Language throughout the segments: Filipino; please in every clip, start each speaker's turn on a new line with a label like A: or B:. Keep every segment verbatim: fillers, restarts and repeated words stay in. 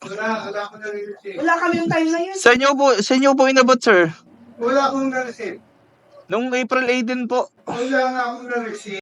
A: Wala, wala akong na-receive.
B: Wala kami yung time na yun.
C: Sa inyo po, sa inyo po inabot, sir.
A: Wala akong na-receive.
C: Nung April eighteen po.
A: Wala nga akong na-receive.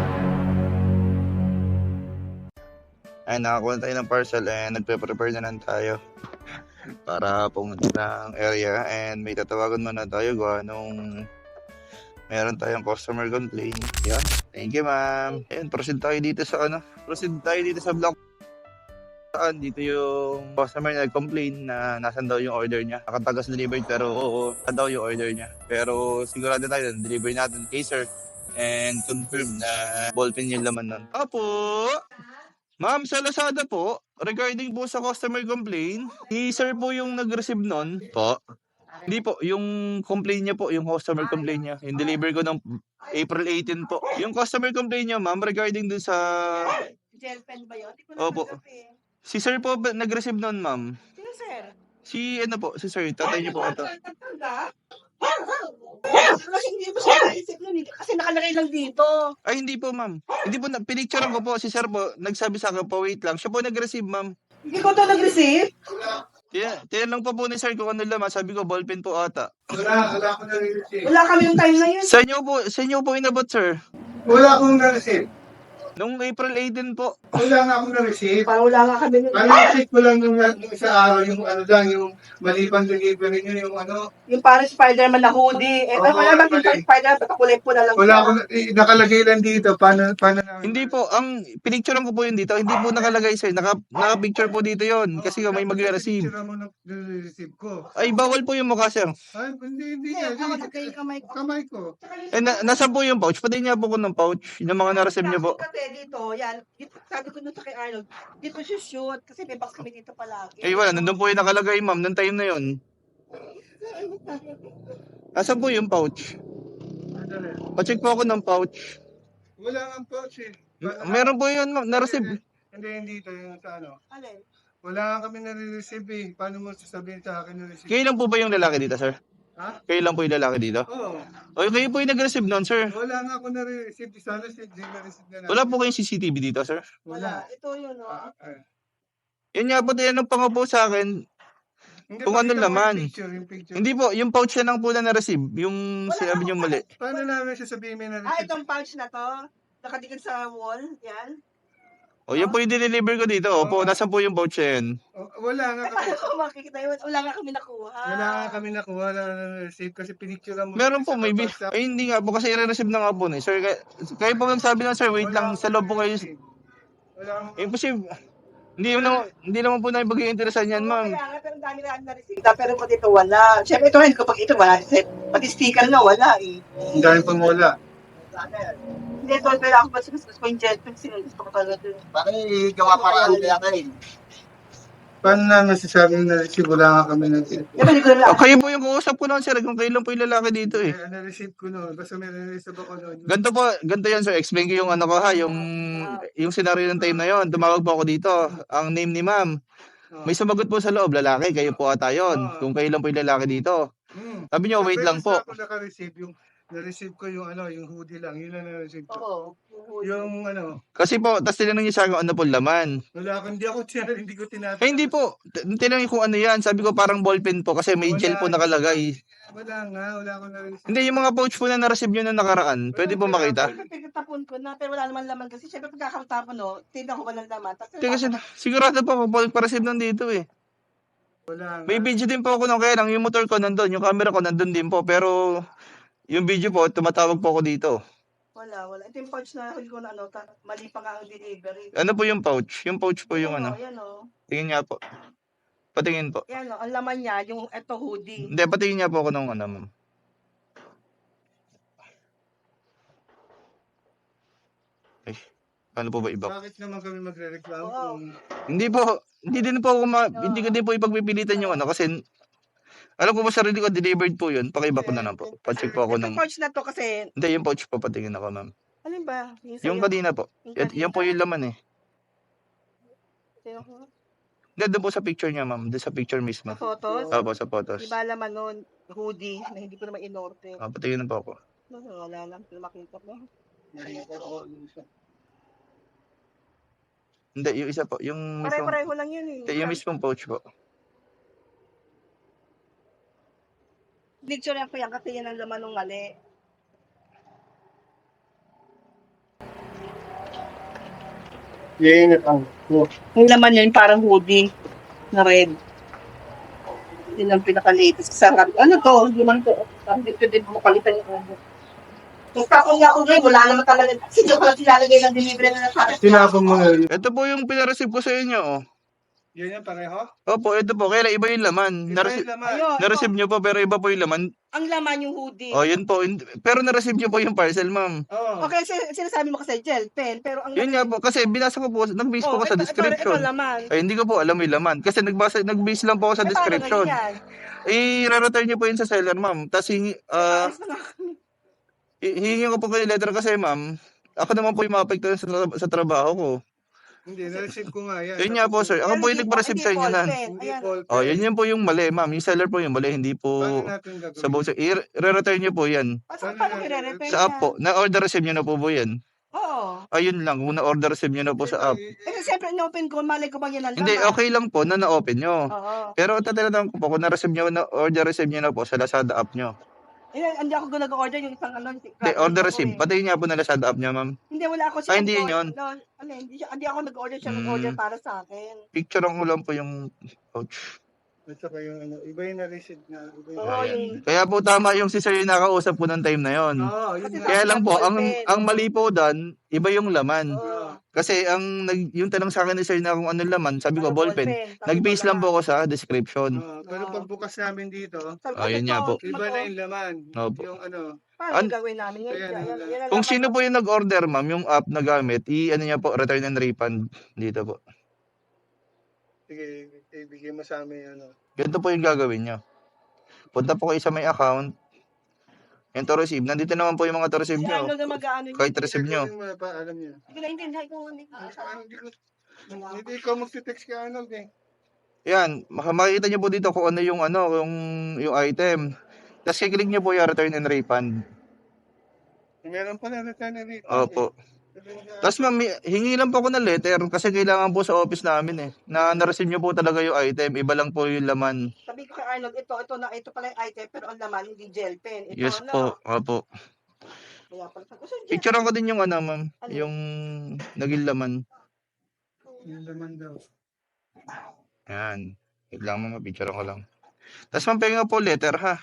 C: Ay, nakakuha tayo ng parcel and nagpe-prepare na lang tayo para pumunta ng area and may tatawagan muna tayo gawa nung meron tayong customer complaint. Yan. Thank you, ma'am. Ayun, proceed tayo dito sa ano. Proceed tayo dito sa block. Saan dito yung customer na nag-complain na nasan daw yung order niya. Nakatagas delivered pero oo, nasan daw yung order niya. Pero sigurado tayo na deliver natin kay sir and confirm na ballpen yung laman nun. Apo! Ma'am, sa Lazada po, regarding po sa customer complaint, si sir po yung nag-receive nun po. Hindi po, yung complaint niya po, yung customer complaint niya. Yung deliver ko ng April eighteen po. Yung customer complaint niya, ma'am, regarding dun sa...
B: Gel pen ba yun? Di ko
C: Opo.
B: natanggap eh.
C: Si sir po ba- nag-receive nun, ma'am?
B: Sino sir?
C: Si ano po, si sir, tatay niyo po ito.
B: Tatanggap? Kasi hindi mo siya naisip nun eh. Kasi nakalagay lang dito.
C: Ay, hindi po, ma'am. Hindi po, na- pinicturean ko po. Si sir po, nagsabi sa akin po, wait lang. Siya po nag-receive, ma'am.
B: Hindi ko to nag-receive.
C: Tiyan, tiyan lang po po ni sir kung ano laman. Sabi ko, ballpen po ata.
A: Wala, wala akong na-receive.
B: Wala kami yung time na yun.
C: Sa inyo po, sa inyo po inabot, sir.
A: Wala akong na-receive.
C: Nung April eighteen po.
A: Wala nga akong na-receive.
B: Parang wala nga kami.
A: Ano na-receive ko lang nung, nung isa araw, yung ano lang, yung malipang delivery nyo, yung ano.
B: Yung parang Spider-Man na hoodie. Eh,
A: Oo,
B: wala ba yung
A: mali.
B: Spider-Man? Patakulay po na lang.
A: Wala
B: siya.
A: akong, eh, nakalagay lang dito. Paano, paano namin?
C: Hindi po, ang pinicturean ko po yun dito. Hindi po nakalagay, sir. Naka, naka-picture po dito yon kasi may mag-receive.
A: Picture mo nung receive ko.
C: Ay, bawal po yung mukha, sir.
A: Ay, hindi, hindi.
B: Hindi,
A: Hindi,
B: ako nagkay kamay ko.
A: Kamay ko.
C: Eh, na, nasa po yung pouch? Pati niya po ko ng pouch. Yung mga na-receive niyo po.
B: Kasi dito, yan. Dito, sabi ko nung sa kay Arnold, dito siya shoot. Kasi may box kami dito palagi.
C: Eh, wala. Nandun po yung nakalagay, ma'am. Nung time na yun. Nasaan po yung pouch?
A: Madali.
C: Pa-check po ako ng pouch.
A: Wala nga pouch eh.
C: M- Meron po yun, ma'am. Na-receive.
A: Hindi, hindi ito yung sa ano.
B: Alin?
A: Wala nga kami nare-receive eh. Paano mo sasabihin sa akin na-receive?
C: Kayo lang po ba yung lalaki dito, sir?
A: Ha?
C: Kayo lang po yung lalaki dito?
A: Oo.
C: O, kayo po yung nag-receive nun, sir.
A: Wala nga ako nare-receive. Sana si di na-receive na natin.
C: Wala po kayong C C T V dito, sir?
A: Wala.
B: Ito yun, no?
A: Ah, ah.
C: Yun nga po, tinanong pa nga po sa akin.
A: Hindi,
C: Kung ano
A: pakita mo
C: laman.
A: Yung picture, yung picture.
C: Hindi po, yung pouch na lang po na na-receive. Yung
B: Wala
C: sinabi
B: akong
C: niyo mali.
A: Paano namin sasabihin may
B: Ah,
A: na-receive?
B: itong pouch na to. Nakadikit sa wall. Yan.
C: O, yun po yung dineliver ko dito. Opo, nasaan po yung pouch na yun?
A: Oh, wala nga
B: Eh,
A: kami.
B: paano ko makikita yun? Wala nga kami nakuha.
A: Wala nga kami nakuha na na-receive kasi pinicture mo.
C: Meron po,
A: sa
C: maybe.
A: WhatsApp.
C: Ay, hindi nga po kasi i-receive na nga po. Eh. Sir, kayo, kayo po nagsabi na, sir, wait lang, sa loob po kayo.
A: Wala akong
C: Imposible. Hindi naman, hindi naman po na ibigay interesan yan, ma'am.
B: Kaya nga, pero ang dami na na-receive. Pero pag ito wala. Siyempre ito rin, kapag ito wala. Pati sticker nga wala eh.
A: Ang dami pang wala.
B: Hindi, ito, kailangan ko ba gusto ko yung jet pen. Sino gusto ko talaga ito.
D: Bakit gawa para ano kaya kayo?
A: Paano namin sasabing na-receive? Wala nga kami na-receive.
B: Di ba, hindi ko naman
C: O, kayo po yung kukusap ko lang, sir. Kung kayo lang po yung lalaki dito eh.
A: Eh, na-receive ko noon. Basta may na-receive ako noon.
C: Ganto po, ganto yan, sir. Explain ko yung ano ko ha, yung, yung scenario ng time na yon. Tumawag po ako dito. Ang name ni ma'am. May sumagot po sa loob, lalaki. Kayo po ata yun. Kung kayo lang po yung lalaki dito.
A: Hmm.
C: Sabi niyo, wait lang po.
A: Basta ako naka-receive yung na-receive ko yung ano, yung hoodie lang. Yun lang na-receive ko.
B: Oo.
A: Yung ano,
C: Kasi po, tas tinanong niya sa akin kung ano po laman.
A: wala ako, hindi ako tinanong, hindi ko tinatanong.
C: Eh, hindi po. T- Tinanong kung ano yan. Sabi ko parang ballpen po kasi may gel po nakalagay.
A: Wala nga, wala akong na-receive.
C: Hindi, yung mga pouch po na na-receive nyo na nakaraan. Pwede po makita.
B: Pagkatapon ko na, pero wala naman laman kasi syempre pagkakatapon, no, tignan ko ba ng laman. Tapos,
C: Hindi kasi sigurado po ako po pa-receive nandito eh.
A: Wala nga.
C: May video din po ako nung kaya lang yung motor ko nandun, yung camera ko nandun din po. Pero yung video po, tumatawag po ako dito.
B: wala, wala. Ito yung pouch na huli ko na ano, ta- mali pa nga ang delivery.
C: Ano po yung pouch? Yung pouch po yung
B: Yan,
C: ano.
B: oh, yan, oh.
C: Tingin nga po. Patingin po.
B: Yan, oh, ang laman niya, yung eto hoodie.
C: Hindi, patingin niya po ako nung ano, ma'am. Ay, paano po ba iba?
A: Bakit naman kami magre-reklamo
B: Oo.
A: kung
C: Hindi po, hindi din po ako ma- hindi ko din po ipagpipilitan yung ano kasi alam ko po sarili ko delivered po yun. Pakiba ko na lang po. Pa-check po ako
B: Itong
C: ng
B: pouch na to kasi,
C: hindi yung pouch po patingin ako, ma'am.
B: alin ba? Yung,
C: Yung
B: sa'yo?
C: kanina po.
B: Yung
C: Yan, yan po
B: kanina?
C: yung laman eh.
B: Sa'yo ko?
C: Hindi, doon po sa picture niya, ma'am. Doon sa picture mismo.
B: Sa photos?
C: Opo, sa photos.
B: Di ba laman nun, hoodie, na hindi ko naman inorte.
C: Ah, patingin na po ako.
B: No, wala lang, hindi makita mo.
C: Hindi, yung isa po, yung mismong,
B: Pare-pareho lang yun eh.
C: hindi, yung mismong pouch po.
B: Picture yan ko yan kasi yan ang laman ng mali.
A: Yan ang oh.
B: Yung laman niya yung parang hoodie na red. Yun ang pinaka-latest. Sarap. Ano to? Hindi man to. Dito din mo palitan yung ulo. Yung kako niya ako ngayon, wala naman talaga. Kasi doon ko lang silalagay ng delivery na nasa
A: Tinapon mo na yun.
C: Ito po yung pinareceive ko sa inyo, oh.
A: Yan yan pareho?
C: Opo, ito po, kaya iba yung laman.
A: Iba
C: Narece-
A: yung laman.
B: Ayun,
C: na-receive nyo po, pero iba po yung laman.
B: ang laman yung hoodie.
C: Oh, yun po. Hindi- Pero na-receive nyo po yung parcel, ma'am.
A: Oo.
B: Okay, sin- sinasabi mo kasi gel pen, pero ang
C: Yun nga po, kasi binasa ko po, nag-base po
B: Oh,
C: ko sa
B: ito- ito-
C: description.
B: Ito, laman.
C: Ay, hindi ko po alam yung laman. Kasi nagbasa, nag-base lang po ako sa
B: Eh, paano
C: description.
B: ganyan?
C: I-return nyo po yun sa seller, ma'am. Tapos, hingi, ah,
B: Ayos na nga.
C: i- hihingi ko po kayo letter kasi, ma'am. Ako naman po yung maapektuhan sa, tra- sa trabaho ko.
A: Hindi, na-receive ko nga yan.
C: Yun nga po, sir. Ako
B: Pero
C: po yung
B: hindi
C: nagpa-receive
B: hindi
C: sa inyo
B: ball
C: na.
B: pen.
A: Hindi
B: Ayan.
A: ball
C: Oh,
A: pen.
C: yun yun po yung mali, ma'am. Yung seller po yung mali, hindi po
A: Paano natin gagawin?
C: sa box. I-return nyo po yan.
B: Paano paano ko i-repair
C: Sa app po. Na-order receive nyo na po po yan.
B: Oo.
C: Ayun lang, kung na-order receive nyo na po sa app.
B: Kasi siyempre, in-open ko, malay ko bang yan ang
C: Hindi,
B: laman.
C: okay lang po na na-open nyo.
B: Oo.
C: Pero tatanong ko po, kung na-receive nyo, na-order receive nyo na po sa Lazada app nyo.
B: Eh, hindi ako nag-order yung isang ano.
C: Hindi, order receive. Pati nga po na Lazada app nyo, ma'am.
B: Hindi, wala ako
C: Ah, hindi yun yun.
B: No, ano, hindi, siya- hindi ako nag-order siya
C: Hmm.
B: nag-order para sa akin.
C: Picture ko lang po yung pouch.
A: At saka yung ano, iba yung na-receive na. Iba yung...
B: Oo,
C: Ayan.
B: yung-
C: Kaya po tama yung si sir yung nakausap po ng time na yon.
A: Oo, yun
B: Kasi
A: nga.
C: Kaya lang po, ang
B: Ballpen.
C: ang mali po doon, iba yung laman.
B: Oo.
C: Kasi ang nag, yung tanong sa akin ni sir na kung ano laman, sabi ko
B: Ano,
C: ballpen.
B: Sabi
C: Nag-base
B: ko
C: lang po ako sa description.
A: Oo, pero
B: Oo.
A: pagbukas namin dito,
B: Sabi ko,
C: Ah, yun
B: ito,
C: nga po.
B: ito,
A: iba na yung laman.
C: Opo.
A: Yung ano,
B: Paano
C: An-
B: gagawin namin yun?
A: Ayan,
B: Yan-
A: ayan.
B: yan ang
C: Kung
B: laman
C: sino
B: ng-
C: po yung nag-order, ma'am, yung app na gamit, i ano niya po, return and refund dito po.
A: sige, ibigay mo sa amin ano.
C: Ganito po yung gagawin niyo. Punta po kayo sa may account. Yung to receive. Nandito naman po yung mga to receive
B: Si
C: niyo.
B: Arnold na mag-ano yun.
C: Kahit receive niyo.
A: Gagawin mo na pa, alam niyo.
B: Hindi ko naintindihan kung ano.
A: Ano, Hindi ko, hindi ikaw magte-text kay Arnold eh.
C: Yan, maka- makikita niyo po dito kung ano yung ano, yung yung item. Tapos i-click niyo po yung return and refund.
A: Meron pala return and refund.
C: Opo.
A: Eh.
C: Tapos ma'am, hingi lang po ako ng letter kasi kailangan po sa office namin eh. Na na-receive niyo po talaga yung item, iba lang po yung laman.
B: Sabi ko kay Arnold, ito, ito na, ito pala yung item, pero ang laman, hindi gel pen. Ito,
C: Yes
B: ano.
C: po, opo.
B: Kaya pala, sabi ko, "Sir, gel
C: Picturean ko din yung ano ma'am,
B: Ano?
C: yung naging laman.
A: Yung laman daw.
C: Yan. Wait lang ma'am, picturean ko lang. Tapos ma'am, penga po letter ha.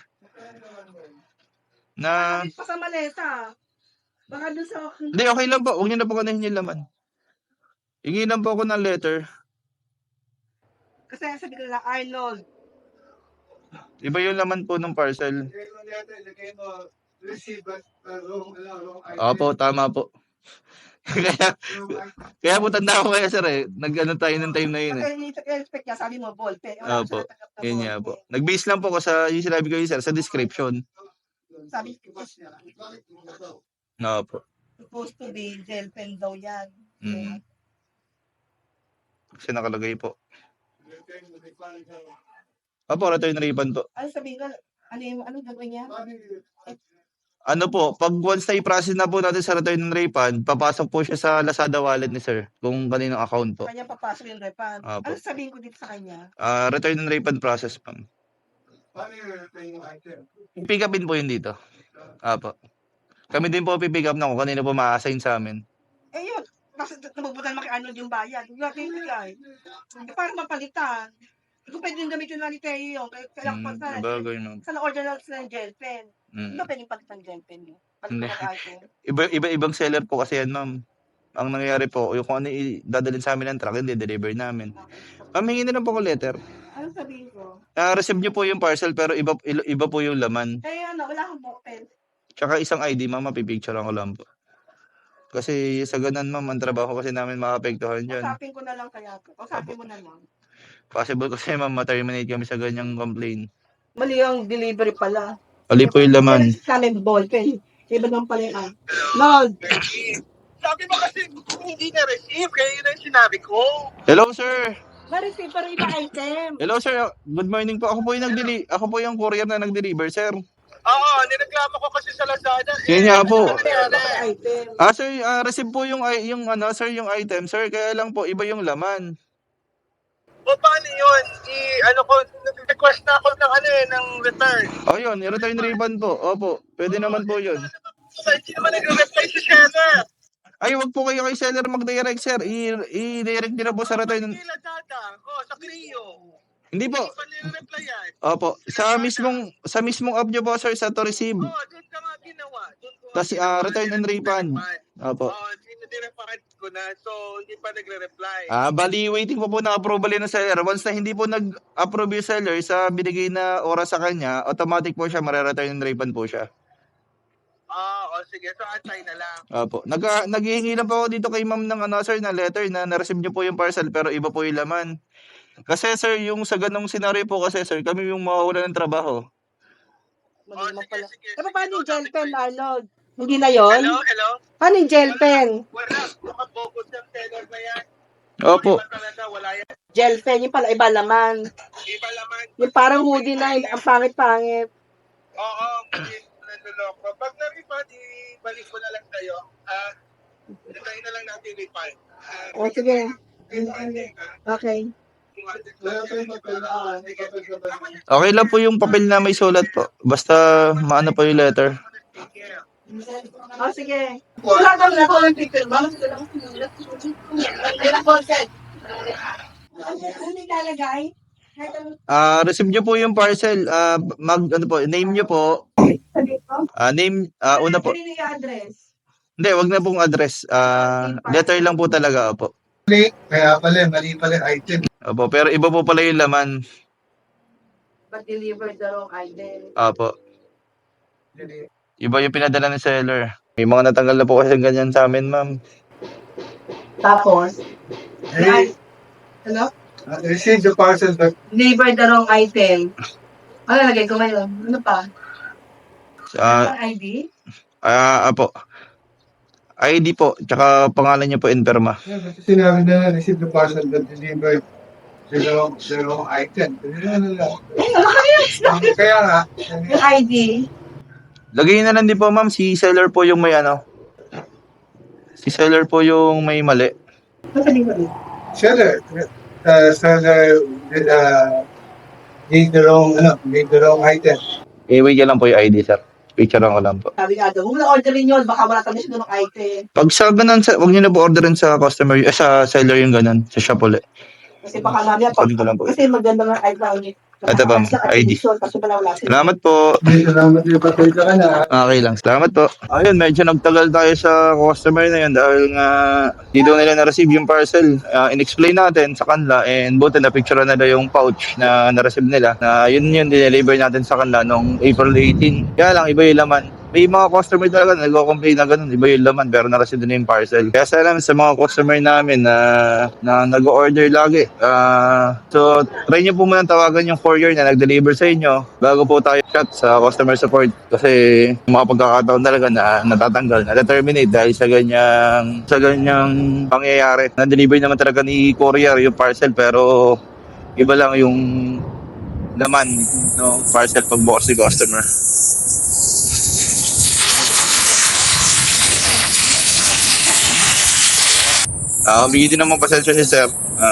C: Na,
B: Ano, pa sa maleta. Baka dun sa...
C: hindi okay lang po, huwag niyo na po kanahin yung laman. Hingi lang po ako ng letter.
B: Kasi sabi ko na, Arnold,
C: Iba yung laman po ng parcel.
A: Lagay mo letter, lagay mo receive at uh, wrong, ano, wrong item.
C: Opo, tama po. kaya,
A: Wrong item.
C: kaya po tanda ko kaya sir eh. Nag-ano tayo ng time na yun eh.
B: kasi i-expect niya, sabi mo, ball pen. Wala
C: Opo,
B: siya natanggap na
C: Yun
B: ball
C: nga
B: pen.
C: po. Nag-base lang po ko sa, yung sinabi ko yun sir, sa description.
B: Sabi ko,
C: Opo.
B: supposed to be gel pen daw yan.
C: Mm. Kasi nakalagay po. Opo, return refund po.
B: Ano sabihin ko, ano yung, ano gagawin niya?
C: Ano po, pag once na i-process na po natin sa return and refund, papasok po siya sa Lazada wallet ni sir, kung kaninong account po.
B: Kanya papasok yung refund.
C: Opo.
B: Ano sabihin ko dito sa kanya?
C: Ah, return and refund process ma'am.
A: Paano yung return yung item?
C: Pick upin po yun dito. Apo. Kami din po pipick up na kung kanino po ma-assign sa amin.
B: Eh yun, kasi nabubutan mo kay Arnold yung bayad. Yung natin bigay. Eh, para mapalitan. Kung pwede yung gamitin na ni Teo yun, kaya kailangan pa
C: Mm,
B: sa...
C: bagay no.
B: Sa na-order lang sila ng gel pen.
C: Mm.
B: Hindi ba pwedeng palitan ng gel pen yun?
C: Hindi.
B: Palitan ng item.
C: Iba, iba-ibang seller po kasi yan, ma'am. Ang nangyayari po, yung kung ano i- dadalhin sa amin ng truck, hindi deliver namin. Ma'am, hingi na lang po ko letter.
B: Ano sabihin ko?
C: Ah, receive niyo po yung parcel pero iba il- iba po yung laman.
B: Eh ano, wala akong book pen.
C: Tsaka isang I D, ma'am, mapipicture ko lang po. Kasi sa ganun, ma'am, ang trabaho kasi namin makapektuhan dyan.
B: Usapin ko na lang kaya to. Usapin mo na lang.
C: Possible kasi, ma'am, ma-terminate kami sa ganyang complaint.
B: Mali ang delivery pala.
C: Ali po yung laman.
B: Sa amin ball pen. Iba naman pala yung ah. Lord!
D: Sabi mo kasi kung hindi na-receive, kaya yun ang sinabi ko.
C: Hello, sir!
B: Ma-receive pero iba item.
C: Hello, sir. Good morning po. Ako po yung nag-deli- ako po yung courier na nag-deliver, sir.
D: Oo, nireklamo ko kasi sa Lazada.
C: Yun nga po.
D: Ano nangyari?
B: Item.
C: Ah, sir, ah, receive po yung, i- yung, ano, sir, yung item, sir. Kaya lang po, iba yung laman.
D: O paano yun? I, ano ko, request na ako ng ano eh, ng return.
C: O yun, return refund po. Opo, pwede naman po yun.
D: So, hindi naman nagre-reply si seller.
C: Ay, wag po kayo kay seller mag-direct, sir. I- I-direct nyo na po sa return.
D: Kay Lazada. Oh, sa Clio.
C: Hindi po.
D: Hindi pa nire-reply yan.
C: Opo, sa mismong sa mismong app nyo po, sir, sa to receive.
D: Oo, doon ka nga ginawa. Doon ko nga
C: Tapos,
D: ginawa,
C: ah, return and refund. Opo.
D: Oo, sinirefund ko na. So, hindi pa nagre-reply.
C: Ah, bali waiting po po ng approval yun ng seller. Once na hindi po nag-approve yung seller sa binigay na oras sa kanya, automatic po siya, mare-return and refund po siya.
D: Ah, o sige. So, antay na lang.
C: Opo. Nag naghihingi lang po ako dito kay ma'am ng ano, sir, na letter na na-receive niyo po yung parcel pero iba po yung laman. Kasi sir, yung sa ganong scenario po kasi sir, kami yung mawawala ng trabaho.
B: Mali
D: Oh,
B: naman
D: sige,
B: pala.
D: sige.
B: Pero
D: sige.
B: paano yung
D: So,
B: gel
D: sabi
B: pen,
D: ko,
B: Arnold? Hindi na yon?
D: Hello, hello?
B: Paano yung gel pen?
D: Wala. Nakabogus yung seller na yan.
C: Opo.
D: Iba talaga, wala yan.
B: Gel pen, yung pala iba laman.
D: Iba laman.
B: Yung parang hoodie na, ang pangit-pangit.
D: Oo, hindi naluloko. Pag na-refund, ibalik ko na lang sa'yo. Ah, uh, na lang natin refund. Ah,
B: O, sige.
D: refunding, ah.
B: Okay.
A: Wala pa yung papel na, ah, may papel ka ba?
C: Okay lang po yung papel na may sulat po. Basta maano po yung letter.
B: O, sige. Wala kang na ko ng picture ba? Wala ko set. Ano nilalagay?
C: Ah, receive niyo po yung parcel. Ah, mag ano po, name niyo po. Ah, name ah una po.
B: Ano yung address?
C: Hindi, wag na pong address. Ah, letter lang po talaga, opo.
A: Mali, kaya pala, mali pala yung item.
C: Opo, pero iba po pala yung laman.
B: But delivered the wrong item.
C: Opo. Iba yung pinadala ng seller. May mga natanggal na po kasi ganyan sa amin, ma'am.
B: Tapos,
A: Hey,
B: ano?
A: uh, receive the parcel but
B: Delivered the wrong item. Ano lagay ko ngayon? Ano pa?
C: Ah,
B: I D?
C: ah, apo. I D po, tsaka pangalan niyo po Inperma.
A: yeah, kasi sinabi na na receive the parcel but delivered the wrong, the wrong item. Ano lang. Kaya nga,
B: Yung I D.
C: Lagay na lang din po, ma'am, si seller po yung may ano. Si seller po yung may mali.
A: seller, uh, seller uh, gave the wrong, ano, gave the wrong item.
C: I-wait niya lang po yung I D, sir. Picture ko lang po.
B: Sabi nga daw, huwag mo na orderin yun. Baka wala tayo siya ng item.
C: Pag sa ganun, sa, huwag niyo na po orderin sa customer, eh, sa seller yung ganun, sa shop ulit.
B: Kasi baka namin, pag,
C: Kunin ko lang po.
B: kasi maganda ng item niya.
C: Ito ba, I D?
B: Kasi wala wala sila.
C: Salamat po.
A: Hindi, salamat yung papel ka na.
C: Okay lang. Salamat po. Ayun, medyo nagtagal tayo sa customer na yun dahil nga di daw nila na-receive yung parcel. Uh, in-explain natin sa kanila and buti na picture na nila yung pouch na na-receive nila na yun yun dineliver natin sa kanila noong April eighteen. Kaya lang, iba yung laman. May mga customer talaga na nagko-complain na ganun, iba yung laman pero na-receive na yung parcel. Kaya salamat sa mga customer namin na, na nag-order lagi. Uh, so, try nyo po muna tawagan yung courier na nag-deliver sa inyo bago po tayo chat sa customer support kasi yung mga pagkakataon talaga na natatanggal, na-terminate dahil sa ganyang sa ganyang pangyayari. Na-deliver naman talaga ni courier yung parcel pero iba lang yung laman no parcel pagbukas ni customer. Ah, humingi din naman pasensya si sir. Ah,